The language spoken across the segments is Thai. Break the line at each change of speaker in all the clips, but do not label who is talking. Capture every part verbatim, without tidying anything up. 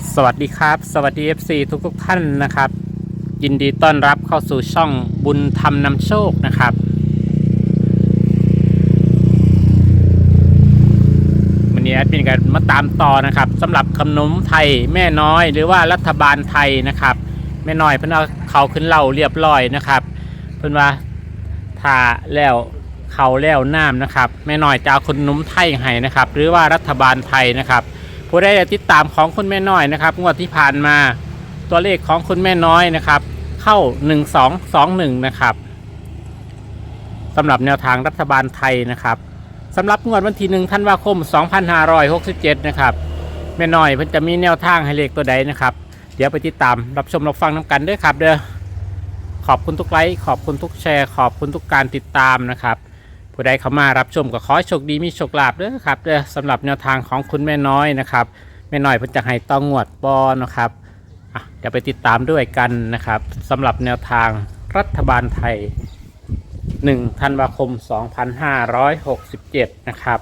สวัสดีครับสวัสดี เอฟ ซี ทุกทุกท่านนะครับยินดีต้อนรับเข้าสู่ช่องบุญธรรมนำโชคนะครับวันนี้แอดมินกันมาตามต่อนะครับสำหรับขนมไทยแม่น้อยหรือว่ารัฐบาลไทยนะครับแม่น้อยเพิ่นเอาเขาขึ้นเหล่าเรียบร้อยนะครับเพิ่นว่าถ้าแล้วเขาแล้วน้ำนะครับแม่น้อยจะเอาขนมไทยให้นะครับหรือว่ารัฐบาลไทยนะครับผู้ได้ติดตามของคุณแม่น้อยนะครับงวดที่ผ่านมาตัวเลขของคุณแม่น้อยนะครับเข้าหนึ่งสองสองหนึ่งนะครับสำหรับแนวทางรัฐบาลไทยนะครับสำหรับงวดวันที่หนึ่งธันวาคมสองพันห้าร้อยหกสิบเจ็ดนะครับแม่น้อยเพิ่นจะมีแนวทางให้เลขตัวใดนะครับเดี๋ยวไปติดตามรับชมรับฟังน้ำกันด้วยครับเด้อขอบคุณทุกไลค์ขอบคุณทุกแชร์ขอบคุณทุกการติดตามนะครับผู้ใดเข้ามารับชมก็ขอให้โชคดีมีโชคลาภเด้อครับเด้อสำหรับแนวทางของคุณแม่น้อยนะครับแม่น้อยเพิ่นจะให้ต้องงวดบอนะครับอ่ะเดี๋ยวไปติดตามด้วยกันนะครับสำหรับแนวทางรัฐบาลไทยหนึ่งธันวาคมสองพันห้าร้อยหกสิบเจ็ดนะครับ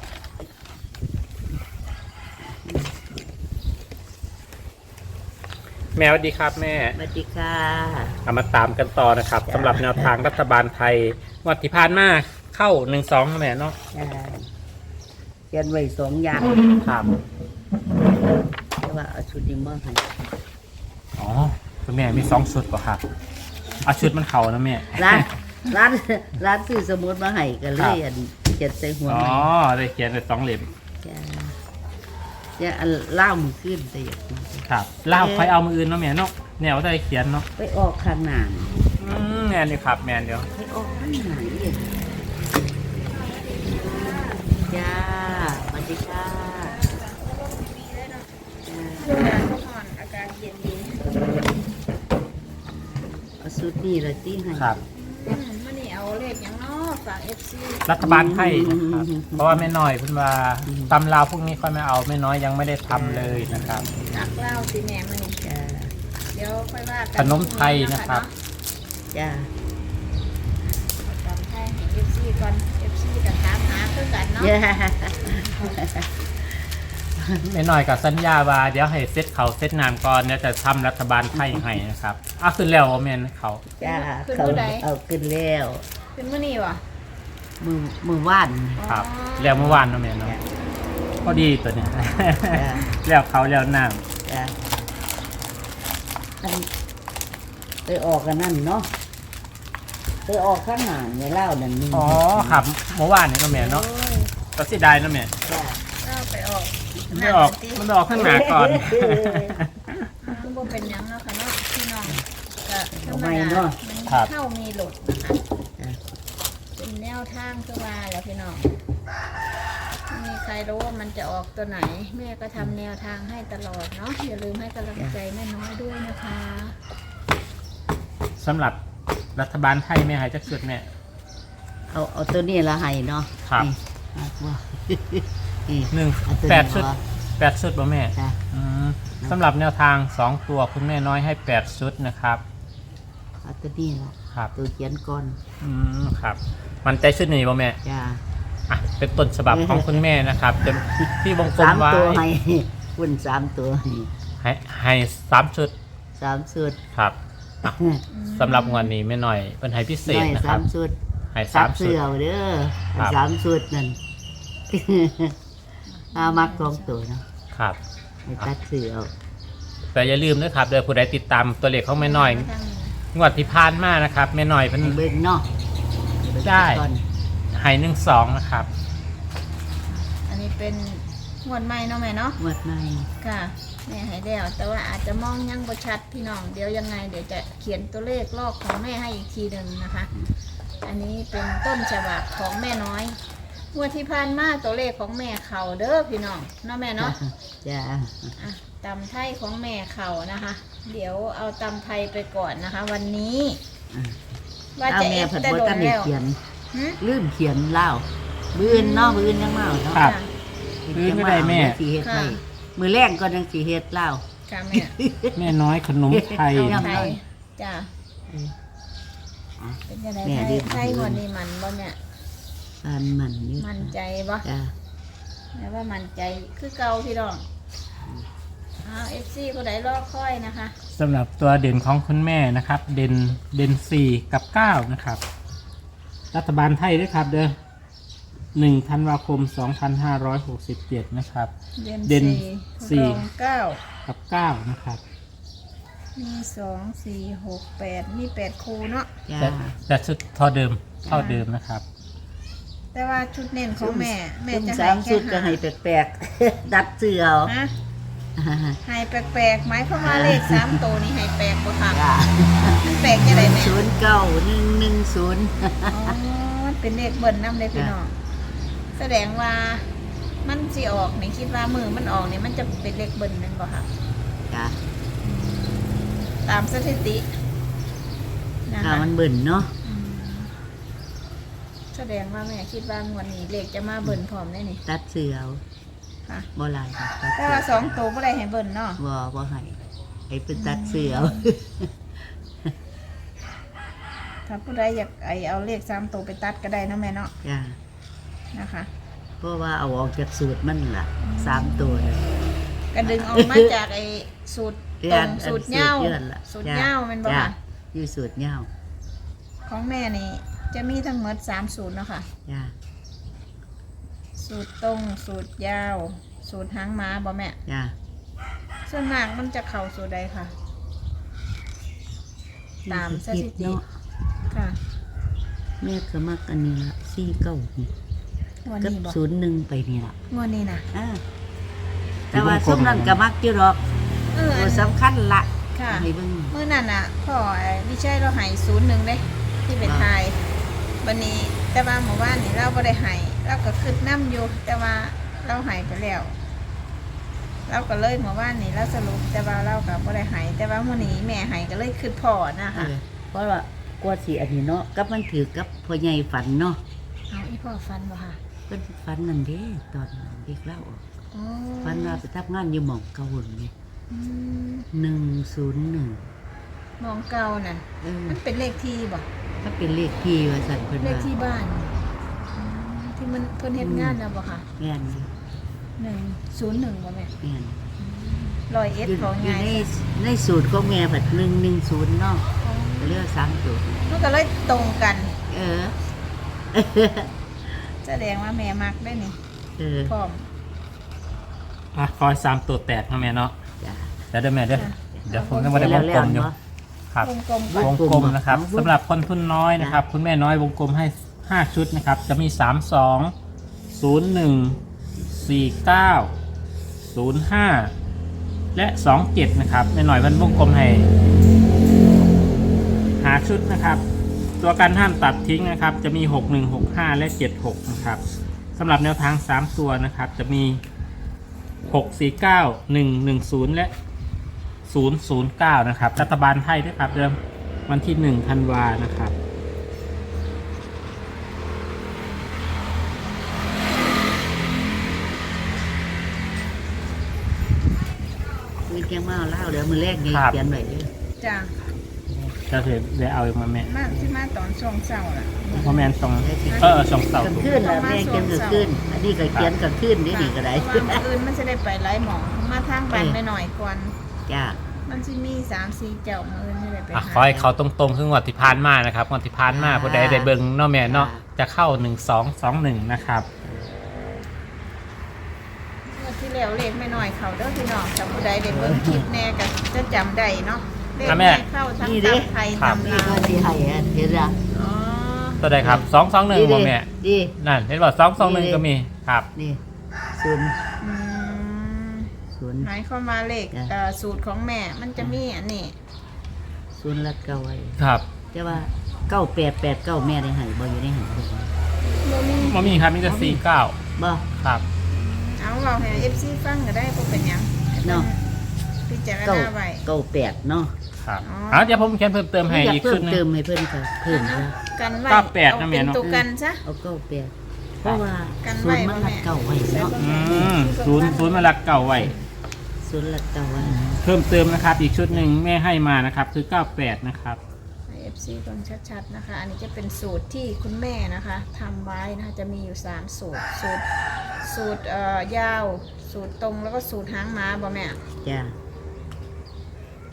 แม่สวัสดีครับแม่
สวัสดีค่ะ
เอามาตามกันต่อนะครับสำหรับแนวทางรัฐบาลไทยงวดที่ผ่านมาเข้าหนึ่งสองแม่เนาะ
เขียนไว้สองอย่าง
ครับ
แต่ว่าเอาชุดนี้มาให้
อ๋อคุณแม่มีสองชุดป่ะครับเอาชุดมันเข่านะแม่
ร้านร้านร้านซื้อสมุดมาให้กันเลยอันเขียนใส่หัว
อ๋อได้เขียนในสองเล่ม
จะอันเล่ามือขึ้นแต่อย่างนี้
ครับเล่าใครเอามืออื่นเนาะแม่เนาะแนวได้เขียนเนาะ
ไปออกข้างหน้า
อืมแม่นี่ครับแม่เดี๋ยว
ไปออกข้างหน้าเองจ้าสวัสดีค่ะอาการเย็นดีเอาสุดนี่เลยที่ให้
ครับ
มื่อนี้เอาเลขอย่างน้อฝาก เอฟ ซี
รัฐบาลไทยนะครับเพราะว่าแม่น้อยเพิ่นว่าตำราวพวกนี้ค่อยไม่เอาแม่น้อยยังไม่ได้ทำเลยนะครับ
นักเล่าสิแม่มื่อนี้
จ้า
เดี๋ยวค่อยว่ากั
นขนมไทยนะครับ
จ้า
ขนมไทยให้ เอฟ ซี ก่อน เอฟ ซี กับถามหาคือกันเนาะ
แม่น้อยกับสัญญาว่าเดี๋ยวให้เซตเขาเซตนามก่อนเนี่ยจะทำรัฐบาลไทยให้นะครับอ้าวขึ้นแล้วแม่นเขา
จ้าเขาเอาขึ้นแล้ว
ขึ้นมื่อนี้วะ
มือมือว่าน
ครับแล้วเมื่อวานเนาะแม่เนาะพอดีตัวเนี้ยแล้วเขาแล้วน้ำ
จ้าไปออกกันนั่นเนาะไปออกข้างหน้าเนี่ยเล่านั่นนี่
อ๋อครับเมื่อวานนี่เนาะแม่เนาะก็เสียดายเนาะแม่
เล่าไปออก
ไม่ออกมันออกข้างหน้าก่อน
คือบ่เป็นยังเนาะค่ะเนาะพี่น้องก็ธรรมดามันเข้ามีหลุดนะคะเป็นแนวทางคือว่าแล้วพี่น้องมีใครรู้ว่ามันจะออกตัวไหนแม่ก็ทำแนวทางให้ตลอดเนาะอย่าลืมให้กำลังใจแม่น้อยด้วยนะคะ
สำหรับรัฐบาลไทยแม่หายจากสุดแม่
เอาเอาตัวนี้ละให้เนาะ
ครับหนึ่งแปดชุดแปดชุดป่ะแม่สำหรับแนวทางสองตัวคุณแม่น้อยให้แปดชุดนะครับ
เอาตัวนี้ละ
ครับ
ตัวเขียนก่อน
อืมครับมันใจชุดนี้ป่ะแม่
จ้า
อ่ะเป็นต้นฉบับของคุณแม่นะครับจะที่วงกลมไว้
สามตัวให้คุณสามตัว
ให้ให้สามชุด
สามชุด
ครับสำหรับงานนี้แม่น้อยเป็นให้พิเศษนะครับ
สามชุด
ให้สามชุด
เด้อสามชุดนั่นอามักสองตัวนะครับให้ตัดเสือ
แต่อย่าลืมนะครับเดี๋ยวผู้ใดติดตามตัวเลขของแม่น้อยงวดที่ผ่านมานะครับแม่น้อยเป็น
เบิ้งเนาะ
ได้ให้หนึ่งสองนะครับ
อันนี้เป็นงวดใหม่เนาะแม่เนาะ
งวดใหม่
ค่ะแม่ให้แล้วแต่ว่าอาจจะมองยังบ่ชัดพี่น้องเดี๋ยวยังไงเดี๋ยวจะเขียนตัวเลขลอกของแม่ให้อีกทีหนึ่งนะคะอันนี้เป็นต้นฉบับของแม่น้อยงวดที่ผ่านมาตัวเลขของแม่เข่าเด้อพี่น้องเนาะแม่เนาะ
จ้า
ตำไทยของแม่เข่านะคะเดี๋ยวเอาตำไทยไปก่อนนะคะวันนี้
ว่าจะเอฟแต่โดนแล้วลืมเขียนเล่าบื้นเนาะบื้นยังเมาเนาะ
บื้นไม่ได้แม่
สีเฮ็ดไทยมือแรกก็ยังสีเฮ็ดเล่า
ค่ะแม่
แม่น้อยขนมไทย
จ้าเป็นยังไงไทยไทยวันนี้มันบ่เนี่ย
มันมัน
มันใจบ่แล้วว่ามันใจคือเก่าพี่น้องอ้าวเอฟซีซีผู้ใดรอคอยนะคะ
สำหรับตัวเด่นของคุณแม่นะครับ เด่นเด่นสี่กับเก้านะครับรัฐบาลไทยด้วยครับเด้อหนึ่งธันวาคมสองพันห้าร้อยหกสิบเจ็ดนะครับ เด่นสี่
รองเก้า
กับเก้านะครับ
มีสองสี่หกแปดมีแปดคูเนาะ
จ้า
แต่แต่ชุดเท่าเดิมเท่าเดิมนะครับ
แต่ว่าชุดเน้นของแม่แม่
ซุ่ม
จะ
สาม
ให้
สุ
แค่
ดก็
หา
ให้แปลกๆ ดัดเสือเอา
ฮะให้แปลกๆหมายความว่าเลขสามตัวนี้ให้แปลกบ่ค่ะ
จ้า
มันแปลกจะได้แม่
ศูนย์เก้าหนึ่งหนึ่งศูนย์
อ๋อมันเป็นเลขเบิ้ลนำเลยพี่น้องแสดงว่ามันสิออกนี่คิดว่ามือมันออกนี่มันจะเป็นเลขเบิ้ลนั่นบ่ค่ะ
จ้า
ตามสถิตินะ
ถ้า
คะ
มันเบิ่นเนาะ
อืมแสดงว่าแม่คิดว่างวดนี้เลขจะมาเบิ้ลพร้อมได้นี่
ตัดเสือเอา
ค่ะ
บ่หลายค่ะตัด
แต่
เสือ
ว่าสองตัวบ่ได้ให้เบิ้ลเนาะ
บ่บ่ให้ให้เป็นตัดเสือเอา
ถ้าผู้ใดอยากไอเอาเลขสามตัวไปตัดก็ได้เนาะแม่เนาะ
จ้า
นะคะ
เพราะว่าเอาออกจากสูตรมันล่ะสามตัวน่ะ
ก็ดึงออกมาจากไอสูตรตรงสูตรเหย้า
เดือนละ
สูตรเหย้าแมันบ่
จ้า
ค่ะ
อยู่สูตรเหย้า
ของแม่นี่จะมีทั้งหมดสามสูตรเนาะค่ะ
จ้า
สูตรตรงสูตรยาว สูตรหางม้าบ่แม่
จ้า
ส่วนมากมันจะเข้าสูตรใดค่ะ ตามสถิติ
เนาะ
ค่ะ
แม่ก็มักอันนี้ละสี่เก้านี่
งวด
กับ
นี้บ่
ศูนย์หนึ่งไปนี่ล่ะ
งวดนี้นะ
อ่าแต่ว่าช่วงนั้นก็มักอยู่หรอก
เออ
ตัวสำคัญละ
ค่ะ
ให้เบิ่ง
เมื่อนั้นอ่ะพ่อไอ้วิชัยเราใหายศูนย์หนึ่งเด้ที่เป็นไทยวันนี้แต่ว่าหมู่บ้านนี่เราไ่ได้ใหายเราก็คืดน้ำอยู่ แต่ว่าเราใหายไปแล้วเราก็เลยหมู่บ้านนี่เราสรุปแต่ว่าเราก็บ่ได้ใหายแต่ว่ามื้อนี้แม่ใหายก็เลยคืดพ่อนะ
เอ
คะ
อเพราะว่ากลัวสิอันนี้เนาะกับมันถือกับพ่อใหญ่ฝันเนาะ
เอาอีพ่อฟันบ่ค่ะ
เพิ่นฝันนั่นเด้ตอนเด็กเล่าออก
อ๋อ
ฝันว่าไปทำงานอยู่หม่องเก่าหุ่นนี่
อืม
หนึ่งศูนย์หนึ่ง
มองเก่านั่น
เออ
มันเป็นเลขที่บ่
ถ้าเป็นเลขที่ว่าสั่นเพิ่น
เลข
ว่า
ที่บ้านอืมที่มันเพิ่นเฮ็ดงานนะบ่ค่ะ
แม่นอยู่
หนึ่งศูนย์หนึ่งบ่แม่
แม่น
ร้อยเอ็ด
อยู่
ของ
อยู่
ไง
ในในสูตรของแม่ผัดหนึ่งหนึ่งศูนย์เนาะเรียกว่าสามตัว
มันก็เลยตรงกัน
เออ
แสดงว่าแม่มักได้นี่
เออ
พร้อม
อ่ะคอยสามตัวแตกนะแม่เนาะ
จ้า
เดี๋ยวเดี๋ยวแม่เด้อ
ค่ะ
เดี๋ยวผมจะมาได้วงกลมอยู่ครับ
วงกลม
ว
ก่อน
วงกลมนะครับ
วงกลม
สำหรับคนทุนน้อยนะครับ คุณแม่น้อยวงกลมให้ห้าชุดนะครับ จะมีสามสองศูนย์หนึ่งสี่เก้าศูนย์ห้าและสองเจ็ดนะครับแม่น้อยมันวงกลมให้หาชุดนะครับ ตัวการห้ามตัดทิ้งนะครับ จะมีหกหนึ่งหกห้าและเจ็ดหกนะครับสำหรับแนวทางสามตัวนะครับ จะมีหกสี่เก้าหนึ่งหนึ่งศูนย์และศูนย์ศูนย์เก้านะครับรัฐบาลไทยด้วยครับเดิมวันที่หนึ่งธันวานะครับ
มีแกงมาเอาเหล้าเดี๋ยวมือแรกไง
ครับ
เขียนไว้เด้อ
จ้า
จะเดี๋ยวเอาอีกมาแม่
มาที่มาตอนช่วงเช้าล่ะ
เพราะแม่นสองเออสองเสาก
ลางคืนแล้วแม่เขียนกลางคืนอันนี้ก็เขียนกลางคืนนี่นี่ก็ได้
เพราะว่ามื้ออื่นมันจะได้ไปไล่หมองมาทางบ้านไปหน่อยก่อน
จ้า
มันจะมีสามสี่เจ้ามื้ออื่นจะได้ไป
อ่ะ
หา
ขอให้เขาตรงๆคืองวดที่ผ่านมานะครับงวดที่ผ่านมาผู้ใดได้เบิ่งเนาะแม่เนาะจะเข้าหนึ่งสองสองหนึ่งนะครับ
งวดที่แล้วเลขไม่น้อยเขาเด้อพี่น้องถ้าผู้ใดได้เบิ่งคลิปแน่ก็จะจำได้เนาะเลข
อ่ะแม่
แม่เข้าทั้งตำไทย
ครับ
ตำ
นี่
ลาว
ก็สิให้อันเห็นละ
อ๋อ
ตัวใดครับสองสองหนึ่งบ่แม่
ดี
นั่นเห็นว่าสองสองหนึ่งก็มีครับ
นี่ศูนย์
อืม
ศูนย์
หมายความว่าเลข
จ้ะ
เอ่อสูตรของแม่มันจะมีอันนี้
ศูนย์ละเก้าไว้
ครับ
แต่ว่าเก้าแปดแปดเก้าแม่ได้ให้บ่อยู่ในหันบ่
บ่มี
มันมีครับมีแต่สี่เก้า
บ่
ครับ
เอาเราให้ เอฟ ซี ฟังก็ได้บ่เป็นหยัง
เนาะ
พิจาร
เก้า
ณาไว้
เก้าแปดเนาะ
ครับ
อ๋อ
อ่ะเดี๋ยวผมเขียนเพิ่มเติมให้
อยาก
อีก
เพิ่
ชุ
ม
ดหนึง
เติมให้เพิ่นก็เพิ่ม
เอา
ซะ
กันไว้
เก้าแปด
เอา
นะแม่
เป็น
เนาะ
ตัวกันซะ
เอาเก้าแปดเพราะว่า
กัน
ศู
ไว้
นย์มัน
บ่แม่
ละเก้าไว้เนาะ
อืมศูนย์ศูนย์มาลักเก่าไว้
ศูนย์ละเก้าไว้
เพิ่มเติมนะครับ อีกชุดหนึ่งแม่ให้มานะครับ คือเก้าแปดนะครับ
ให้ เอฟ ซี ฟังชัดๆนะคะ อันนี้จะเป็นสูตรที่คุณแม่นะคะทำไว้นะคะจะมีอยู่สามสูตร สูตร สูตรเอ่อยาว สูตรตรงแล้วก็สูตรหางม้าบ่แม่
จ้า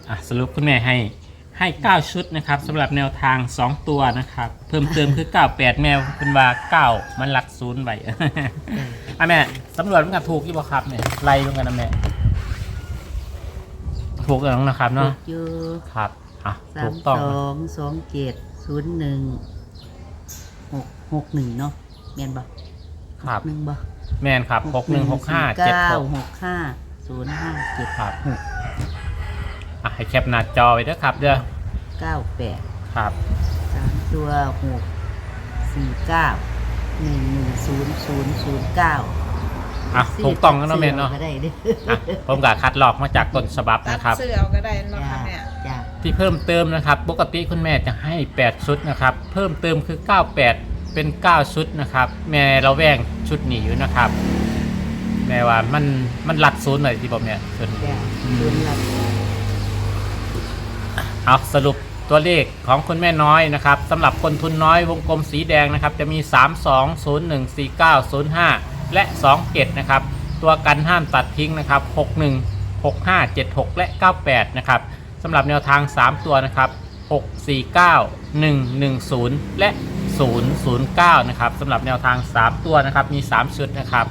อ่ะสรุปคุณแม่ให้ให้เก้าชุดนะครับสำหรับแนวทางสองตัวนะครับเพิ่มเติมคือเก้าแปดแมวเป็นว่าเก้ามันหลักศูนย์ไป อ่ะแม่สำรวจมันกับถูกยี่บ่ครับเนี่ยไล่ลงกันนะแม่ถูกแล้วนะครับเนาะ
เยอะ
ครับอ่ะ
สา
ถู
ม
ก
ส
ต้อง
องสองเจ็ดศูนย์หนึ่งหกหกหนึ่งเนาะแม่นบ่
ครับ
หนึ่งบ่
แม่นครับหกหนึ่งหกห้าเจ็ดหก
หกห้าศูนย์ห้าเจ็ด
ครับ
หก
อ่ะให้แคปหน้าจอไว้ด้วยครับเด้อ
เก้าแปด
ครับ
สามตัวหกสี่เก้าหนึ่งหนึ่งศูนย์ศูนย์ศูนย์เก้า
อ่ะถูกต้องแล้วเนาะแม่เนาะ
ก็ได้เด้อ
อ่ะผมก็คัดลอกมาจากต้นฉบับ
ตัด
นะครับ
เสื้อเอาก็ได้เนาะ
จ้า
ค่ะแม่
จ้า
ที่เพิ่มเติมนะครับปกติคุณแม่จะให้แปดชุดนะครับเพิ่มเติมคือเก้าแปดเป็นเก้าชุดนะครับแม่เราแว่งชุดหนีอยู่นะครับแม่ว่ามันมันหลัดศูนย์หน่อยที่ผมเนี่ยส่วน
จ้าศูนย์หลัก
เอาสรุปตัวเลขของคุณแม่น้อยนะครับสำหรับคนทุนน้อยวงกลมสีแดงนะครับจะมีสาม สอง ศูนย์ หนึ่ง สี่ เก้า ศูนย์ ห้าและสองเจ็ดนะครับตัวกันห้ามตัดทิ้งนะครับหก หนึ่ง หก ห้า เจ็ด หกและเก้าแปดนะครับสำหรับแนวทางสามตัวนะครับหก สี่ เก้า หนึ่ง หนึ่ง ศูนย์และศูนย์ ศูนย์ เก้านะครับสำหรับแนวทางสามตัวนะครับมีสามชุดนะครับ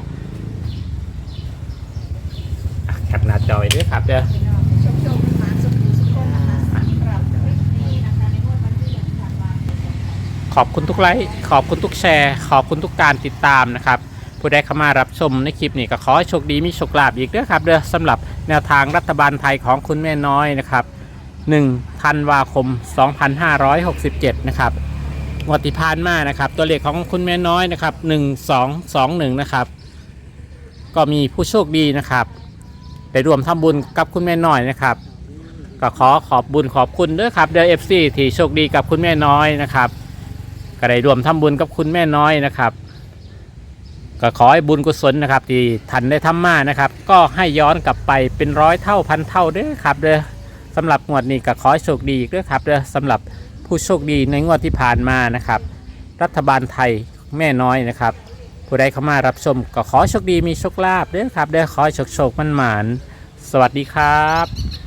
อ่ะแคปหน้าจอไว้ด้วยครับเด้อ
พี่น้องชมชมหมาสุขุสุขคนนะคะสำหรับคลิปนี้นะคะในงวดวันที่หนึ่งธันวาคม
ขอบคุณทุกไลค์ขอบคุณทุกแชร์ ขอบคุณทุกการติดตามนะครับผู้ใดเข้ามารับชมในคลิปนี้ก็ขอให้โชคดีมีโชคลาภอีกด้วยครับเด้อสำหรับแนวทางรัฐบาลไทยของคุณแม่น้อยนะครับหนึ่งธันวาคมสองพันห้าร้อยหกสิบเจ็ดนะครับงวดที่ผ่านมานะครับตัวเลขของคุณแม่น้อยนะครับหนึ่ง สอง สอง หนึ่งนะครับก็มีผู้โชคดีนะครับได้ร่วมทำบุญกับคุณแม่น้อยนะครับก็ขอขอบบุญขอบคุณด้วยครับเด้อ เอฟ ซี ที่โชคดีกับคุณแม่น้อยนะครับก็ได้ร่วมทำบุญกับคุณแม่น้อยนะครับก็ขอให้บุญกุศลนะครับที่ท่านได้ทำมานะครับก็ให้ย้อนกลับไปเป็นร้อยเท่าพันเท่าเด้อครับเด้อสำหรับงวดนี้ก็ขอให้โชคดีอีกด้วยครับเด้อสำหรับผู้โชคดีในงวดที่ผ่านมานะครับรัฐบาลไทยแม่น้อยนะครับผู้ใดเข้ามารับชมก็ขอโชคดีมีโชคลาภเด้อครับเด้อขอให้โชคโชคมั่นหมานสวัสดีครับ